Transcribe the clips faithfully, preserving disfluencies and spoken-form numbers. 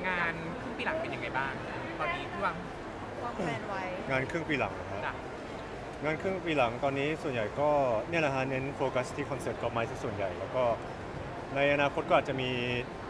งานครึ่งปีหลังเป็นยังไงบ้างตอนนี้ที่วางวางแผนไว้งานครึ่งปีหลังนะฮะจ้ะงานครึ่งปีหลังตอนนี้ส่วนใหญ่ก็เนี่ยแหละฮะเน้นโฟกัสที่คอนเสิร์ตกอล์ฟไม้ซะส่วนใหญ่แล้วก็ในอนาคตก็อาจจะมี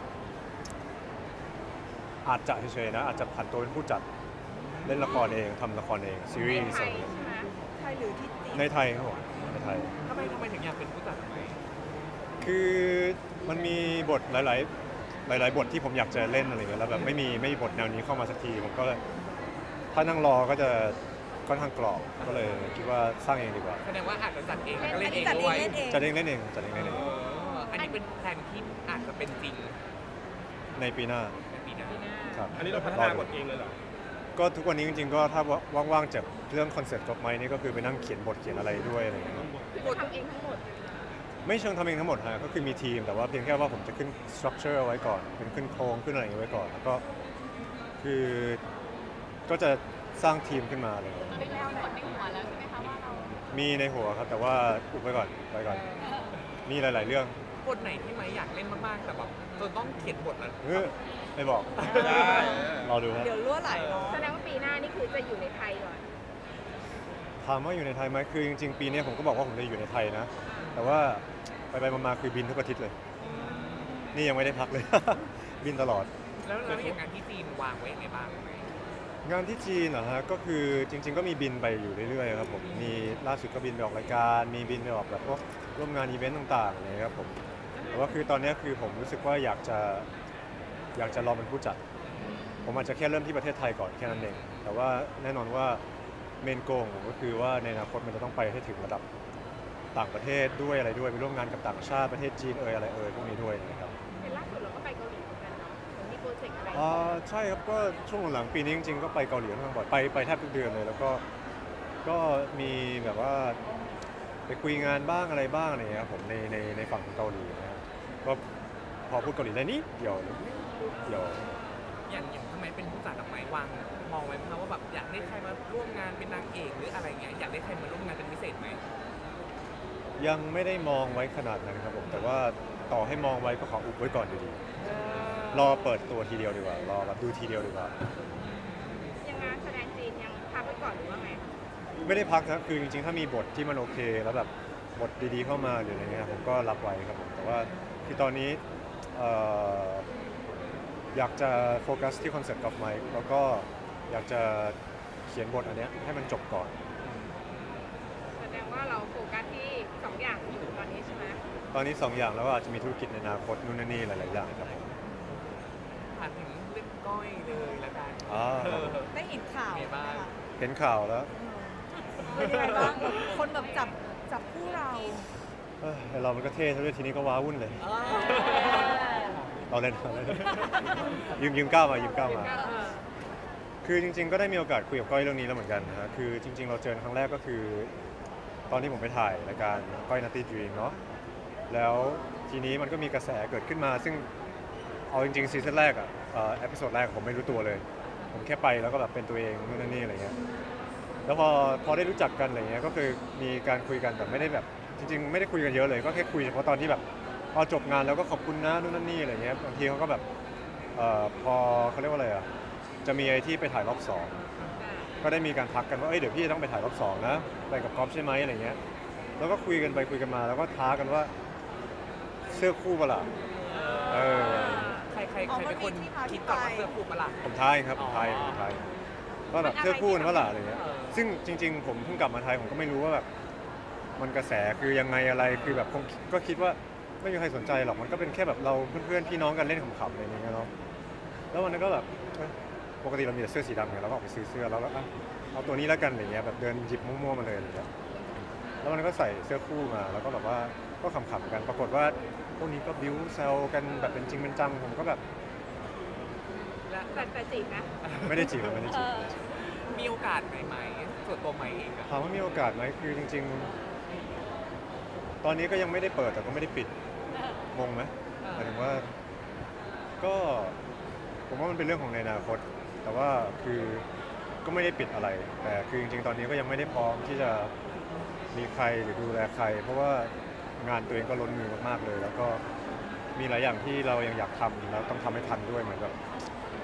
อาจจะเฉยๆนะอาจจะผันตัวเป็นผู้จัดเล่นละครเองทำละครเองซีรีส์อะไรอย่างเงี้ยไทยหรือที่จีนในไทยครับผมในไทยทำไมทำไมถึงอยากเป็นผู้จัดทำไมคือมันมีบทหลาย ๆ หลาย ๆ บทที่ผมอยากจะเล่นอะไรเงี้ยแล้วแบบไม่มีไม่มีบทแนวนี้เข้ามาสักทีผมก็ถ้านั่งรอก็จะค่อนข้างกรอบก็เลยคิดว่าสร้างเองดีกว่าแสดงว่าอาจจะจัดเองแล้วก็อัเล่นนเอนี้งจัดเอด้วงยเล่นเองจัดเองเล่นเองจัดเองเล่นเองเอออันนี้เป็นแผนที่อาจจะเป็นจริงในปีหน้าในปีหน้าครับอันนี้เราพัฒนาบทเองเลยเหรอก็ทุกวันนี้จริงๆก็ถ้าว่างๆจากเรื่องคอนเซ็ปต์จบไหมนี่ก็คือไปนั่งเขียนบทเขียนอะไรด้วยอะไรอย่างเงี้ยบททำเองทั้งหมดไม่เชิงทำเองทั้งหมดฮะก็คือมีทีมแต่ว่าเพียงแค่ว่าผมจะขึ้นสตรัคเจอร์ไว้ก่อนเป็นขึ้นโครงขึ้นอะไรอย่างเงี้ยไว้ก่อนแล้วก็คือก็จะสร้างทีมขึ้นมาเลยเป็นแนวไหนในหัวแล้วใช่ไหมคะว่าเรามีในหัวครับแต่ว่าอุบไว้ก่อนไว้ก่อนมีหลาย ๆ เรื่องบทไหนที่ไม้อยากเล่นมากๆแต่แบบจนต้องเขียนบทแล้วเออไม่บอกได้รอดูฮะเดี๋ยวรั่วไหลเนาะแสดงว่าปีหน้านี่คือจะอยู่ในไทยก่อนถามว่าอยู่ในไทยไหมคือจริงๆปีนี้ผมก็บอกว่าผมจะอยู่ในไทยนะ แต่ว่าไปไปๆมาๆคือบินทุกอาทิตย์เลย นี่ยังไม่ได้พักเลย บินตลอดแล้วแล้วอย่างงานที่จีนวางไว้ยังไงบ้างไหมงานที่จีนเหรอฮะก็คือจริง ๆ ก็มีบินไปอยู่เรื่อยๆครับผมมีล่าสุดก็บินไปออกรายการ มีบินไปออกแบบพวกร่วมงานอีเวนต์ต่างๆอะไรเลยครับผมแต่ว่าคือตอนนี้คือผมรู้สึกว่าอยากจะอยากจะลองเป็นผู้จัด ผมอาจจะแค่เริ่มที่ประเทศไทยก่อนแค่นั้นเองแต่ว่าแน่นอนว่าเมนโกของผมก็คือว่าในอนาคตมันจะต้องไปให้ถึงระดับต่างประเทศด้วยอะไรด้วยไปร่วมงานกับต่างชาติประเทศจีนเอยอะไรเอยพวกนี้ด้วยนะครับเห็นล่าสุดเราก็ไปเกาหลีเหมือนกันเนาะเหมือนมีโปรเจกต์อะไรอ่าใช่ครับก็ช่วงหลังๆปีนี้จริงๆก็ไปเกาหลีค่อนข้างบ่อยไปไปแทบทุกเดือนเลยแล้วก็ก็มีแบบว่าไปคุยงานบ้างอะไรบ้างอะไรอย่างเงี้ยครับผมในในในฝั่งของเกาหลีนะครับก็พอพูดเกาหลีได้นิดเดียวเดียวอย่างอย่างทำไมเป็นผู้จัดทำไมวางมองไว้ไหมคะว่าแบบอยากได้ใครมาร่วมงานเป็นนางเอกหรืออะไรเงี้ยอยากได้ใครมาร่วมงานเป็นพิเศษไหมยังไม่ได้มองไว้ขนาดนั้นครับผมแต่ว่าต่อให้มองไว้ก็ขออุบไว้ก่อนอยู่ดีรอเปิดตัวทีเดียวดีกว่ารอแบบดูทีเดียวดีกว่ายังงานแสดงจีนยังพักไว้ก่อนหรือว่าไงไม่ได้พักนะคือจริงๆถ้ามีบทที่มันโอเค แล้วแบบบทดีๆเข้ามาหรืออะไรเงี้ยผมก็รับไว้ครับผมแต่ว่าคือตอนนี้เอ่ออยากจะโฟกัสที่คอนเซ็ปต์กับไมค์แล้วก็อยากจะเขียนบทอันเนี้ยให้มันจบก่อนแสดงว่าเราโฟกัสที่สองอย่างอยู่ตอนนี้ใช่ไหมตอนนี้สองอย่างแล้วก็อาจจะมีธุรกิจในอนาคตนู่นนนนี่หลายๆอย่างครับผมผ่านถึงเรื่องก้อยเลยละกันอ่าเออได้เห็นข่าวเป็นไงบ้างไหมคะเห็นข่าวแล้วเป็นยังไงบ้างคนแบบจับจับคู่เราเอ้ยไอ้เรามันก็เท่ซะด้วยทีนี้ก็ว้าวุ่นเลย เราเล่นเราเล่นยืมยืมก้าวมายืมก้าวมา คือจริงๆ ก็ได้มีโอกาสคุยกับก้อยเรื่องนี้แล้วเหมือนกันนะฮะคือจริง ๆ เราเจอครั้งแรกก็คือ ตอนที่ผมไปถ่ายรายการก้อยนัตตี้ดรีมเนาะแล้วทีนี้มันก็มีกระแสเกิดขึ้นมา ซึ่งเอาจริงๆซีซั่นแรกอะเอ่อเอพิโซดแรกผมไม่รู้ตัวเลย ผมแค่ไปแล้วก็แบบเป็นตัวเองนู่นนั่นนี่อะไรเงี้ยแล้วพอพอได้รู้จักกันอะไรเงี้ยก็คือมีการคุยกันแต่ไม่ได้แบบจริง ๆ ไม่ได้คุยกันเยอะเลยก็แค่คุยเฉพาะตอนที่แบบพอจบงานแล้วก็ขอบคุณนะนู่นนั่นนี่อะไรเงี้ยบางทีเขาก็แบบเอ่อพอเขาเรียกว่าอะไรอะจะมีไอ้ที่ไปถ่ายรอบสองก็ได้มีการทักกันว่าเอ้ยเดี๋ยวพี่ต้องไปถ่ายรอบสองนะไปกับก๊อฟใช่ไหมอะไรเงี้ยแล้วก็คุยกันไปคุยกันมาแล้วก็ท้ากันว่าเสื้อคู่เปะล่าเออใครใครใครเป็นคนคิดก่อนว่าเสื้อคู่ปะล่ะผมทายครับผมทายผมทายว่าแบบเสื้อคู่กันว่าล่ะอะไรเงี้ยเออซึ่งจริง ๆ ผมเพิ่งกลับมาไทยผมก็ไม่รู้ว่าแบบมันกระแสคือยังไงอะไรคือแบบคงก็คิดว่าไม่มีใครสนใจหรอกมันก็เป็นแค่แบบเราเพื่อนๆพี่น้องกันเล่นขำๆอะไรอย่างเงี้ยเนาะแล้ววันนั้นก็แบบเอ้ยปกติเรามีแต่เสื้อสีดำไงเราก็ออกไปซื้อเสื้อแล้วก็อ่ะเอาตัวนี้แล้วกันอะไรเงี้ยแบบเดินหยิบมั่วๆมาเลยอะไรเงี้ยแล้ววันนั้นก็ใส่เสื้อคู่มาแล้วก็แบบว่าก็ขำๆกันปรากฏว่าพวกนี้ก็บิ้วแซวกันแบบเป็นจริงเป็นจังผมก็แบบและแต่แต่จีบนะไม่ได้จีบไม่ได้จีบมีโอกาสไหมไหมส่วนตัวไหมเองอะถามว่ามีโอกาสไหมคือจริง ๆ ตอนนี้ก็ยังไม่ได้เปิดแต่ก็ไม่ได้ปิดงงไหมหมายถึงว่าก็ผมว่ามันเป็นเรื่องของในอนาคต แต่ว่าคือก็ไม่ได้ปิดอะไร แต่คือจริงๆ ตอนนี้ก็ยังไม่ได้พร้อมที่จะมีใครหรือดูแลใคร เพราะว่างานตัวเองก็ล้นมือมากๆเลย แล้วก็มีหลายอย่างที่เรายังอยากทำแล้วต้องทำให้ทันด้วยเหมือนแบบ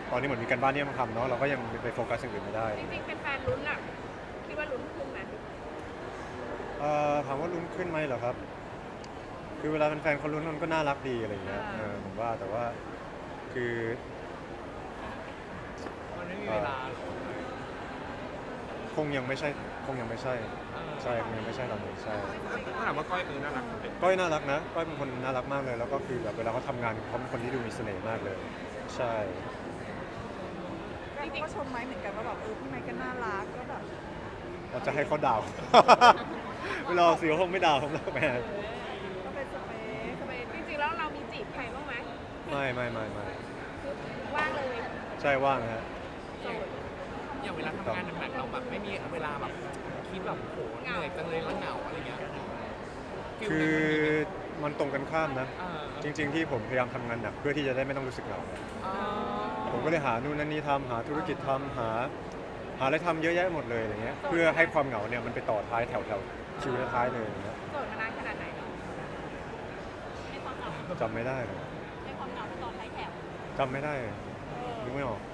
ตอนนี้เหมือนมีการบ้านที่ต้องทำเนาะเราก็ยังไปโฟกัสอย่างอื่นไม่ได้จริงๆเป็นแฟนลุ้นอะคิดว่าลุ้นขึ้นไหมเอ่อถามว่าลุ้นขึ้นไหมเหรอครับ คือเวลาแฟนๆเขาลุ้นมันก็น่ารักดีอะไรอย่างเงี้ยเออผมว่าแต่ว่าคือมันไม่มีเวลาหรอกคงยังไม่ใช่คงยังไม่ใช่ใช่คงยังไม่ใช่ตอนนี้ใช่ถ้าถามว่าก้อยเออน่ารักไหมก้อยน่ารักนะก้อยเป็นคนน่ารักมากเลย แล้วก็คือแบบเวลาเขาทำงานเขาเป็นคนที่ดูมีเสน่ห์มากเลย ใช่จริงๆก็ชมไม้เหมือนกันว่าแบบเออพี่ไม้ก็น่ารักก็แบบเราจะให้เขาด่า เวลาเสียคงไม่ด่าผมหรอกแม่ก็เป็นสเปคทำไมจริงๆแล้วเรามีจีบใครบ้างไหมไม่ไม่ไม่ไม่คือว่างเลยใช่ว่างนะฮะโสดอย่างเวลาทำงานหนักๆเราแบบไม่มีเวลาแบบคิดแบบโหเหนื่อยจังเลยแล้วเหงาอะไรเงี้ยคือมันตรงกันข้ามนะเออจริง ๆ ที่ผมพยายามทำงานหนักเพื่อที่จะได้ไม่ต้องรู้สึกเหงาอ๋อผมก็เลยหานู่นนั่นนี่ทำหาธุรกิจทำหา หาอะไรทำเยอะแยะหมดเลยอะไรเงี้ยเพื่อให้ความเหงาเนี่ยมันไปต่อท้ายแถวแถวๆชีวิตท้ายเลยอย่างเงี้ยโสดมานานขนาดไหนเนาะจำไม่ได้เลยในความเหงาตอนท้ายแถวจำไม่ได้เลยนึกไม่ออก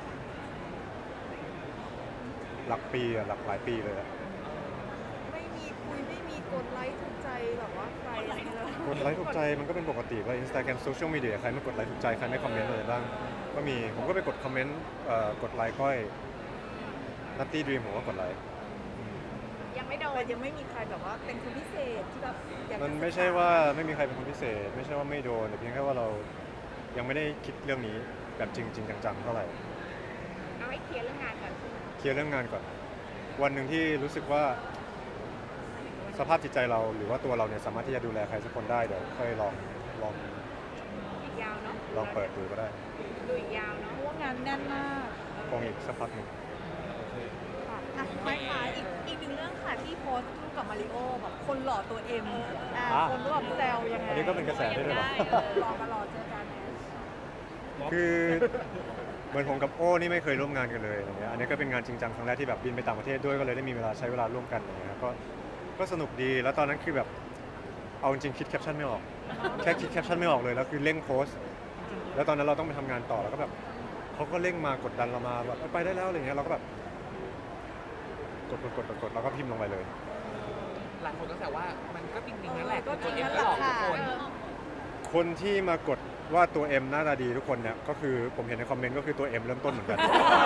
หลักปีอะหลักหลายปีเลยอะไม่มีคุยไม่มีกดไลค์ถูกใจแบบว่าใครอะไรเลยกดไลค์ถูกใจมันก็เป็นปกติว่าอินสตาแกรมโซเชียลมีเดียใครไม่กดไลค์ถูกใจใครไม่คอมเมนต์อะไรบ้างก็มีผมก็ไปกดคอมเมนต์เอ่อกดไลค์ก้อยนัตตี้ดรีมผมก็กดไลค์ยังไม่โดแต่นยังไม่มีใครแบบว่าเป็นคนพิเศษที่แบบอยากจะมันไม่ใช่ว่าไม่มีใครเป็นคนพิเศษ ไม่ใช่ว่าไม่โดนแต่เพียงแค่ว่าเรายังไม่ได้คิดเรื่องนี้แบบจริงจริงจังๆเท่าไหร่เอาให้เคลียร์เรื่องงานก่อนเคลียร์เรื่องงานก่อน วันหนึ่งที่รู้สึกว่าสภาพจิตใจเราหรือว่าตัวเราเนี่ยสามารถที่จะดูแลใครสักคนได้เดี๋ยวค่อยลองลองอีกยาวเนาะลองเปิดดูก็ได้ดูอีกยาวเนาะเพราะว่างานแน่นมากคงอีกสักพักหนึ่งค่ะอ่ะไม่ค่ะอีกอีกหนึ่งเรื่องค่ะที่โพสต์รูปกับมาริโอแบบคนหล่อตัวเอ็มอ่าคนก็แบบแซวยังไงอันนี้ก็เป็นกระแสด้วยหรือเปล่าเออรอมารอเจอกันนะคือเหมือนผมกับโอ้นี่ไม่เคยร่วมงานกันเลยอะไรเงี้ยอันนี้ก็เป็นงานจริงจังครั้งแรกที่แบบบินไปต่างประเทศด้วยก็เลยได้มีเวลาใช้เวลาร่วมกันอะไรเงี้ยก็ก็สนุกดีแล้วตอนนั้นคือแบบเอาจริงๆคิดแคปชั่นไม่ออก แค่คิดแคปชั่นไม่ออกเลยแล้วคือเร่งโพสต์แล้วตอนนั้นเราต้องไปทำงานต่อแล้วก็แบบเขาก็เร่งมากดดันเรามาแบบไปได้แล้วอะไรเงี้ยเราก็แบบกดกดกดกดกดแล้วก็พิมพ์ลงไปเลยหลายคนก็แซวว่ามันก็จริงๆนั่นแหละก็จริงเอ็นั่มนแหก็ละหลอกทุกค่ะคนคนที่มากดว่าตัว M หน้าตาดีทุกคนเนี่ยก็คือผมเห็นในคอมเมนต์ก็คือตัว M เริ่มต้นเหมือนกัน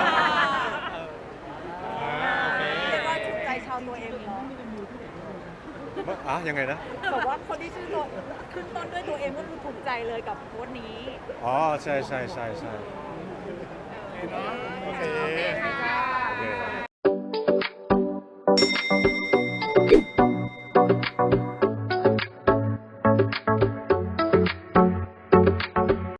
เรียกว่าถูกใจชาวตัวเอ็มเนาะอ่ะยังไงนะบอกว่าคนที่ชื่อตัวขึ้นต้นด้วยตัวเอ็มก็คือถูกใจเลยกับโพสต์นี้อ๋อใช่ใช่ใช่ใช่โอเคโอเคค่ะ